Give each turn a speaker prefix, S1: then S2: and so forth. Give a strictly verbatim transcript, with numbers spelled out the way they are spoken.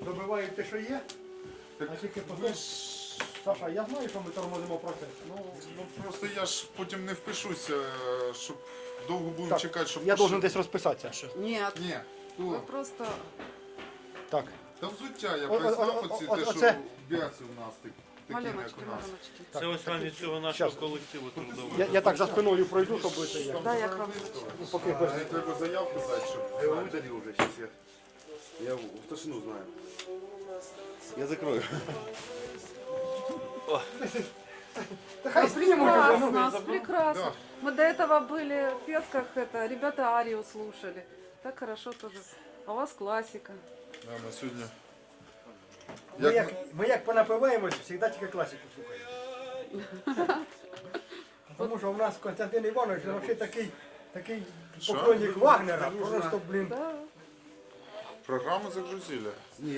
S1: добивають те, що є,
S2: Так
S1: а тільки
S2: ви
S1: потім...
S2: ж...
S1: Саша, я знаю, що ми тормозимо процес.
S2: Ну, ну просто я ж потім не впишуся, щоб довго будемо
S1: Так,
S2: чекати, щоб...
S1: я
S2: пошив-
S1: должен десь розписатися.
S3: Нет,
S2: Ні,
S3: вы
S2: то...
S3: просто...
S1: Так.
S2: Та взуття я
S1: О- о-
S2: прислав
S1: о-
S2: оці,
S1: о-
S2: те,
S1: оце-
S2: що б'яться в нас, так- такі, як
S3: Малюночки,
S2: у нас.
S3: малюночки.
S4: Це ось рані цього нашого
S1: Щас.
S4: колективу трудового.
S1: Я, я так за спиною пройду, щоб це я.
S3: Да, я к вам.
S1: Ну, поки
S2: А,
S1: без...
S2: не треба заявку дати, щоб...
S5: Я его выдали уже, сейчас я. Я в старшину знаю. Я закрою.
S1: Та хай знімуть вже, ну.
S3: Прекрасно, прекрасно.
S2: Да.
S3: Мы до этого были в Песках, это, ребята Арию слушали. Так хорошо тоже. А у вас классика.
S2: Да, ми сьогодні...
S1: Ми
S2: Як
S1: як, ми як понапиваємось, завжди тільки класику слухаємо. Тому що у нас Константин Іванович, він взагалі такий, такий
S2: Що?
S1: поклонник Вагнера, просто, блін.
S3: Да.
S2: Програму загрузили.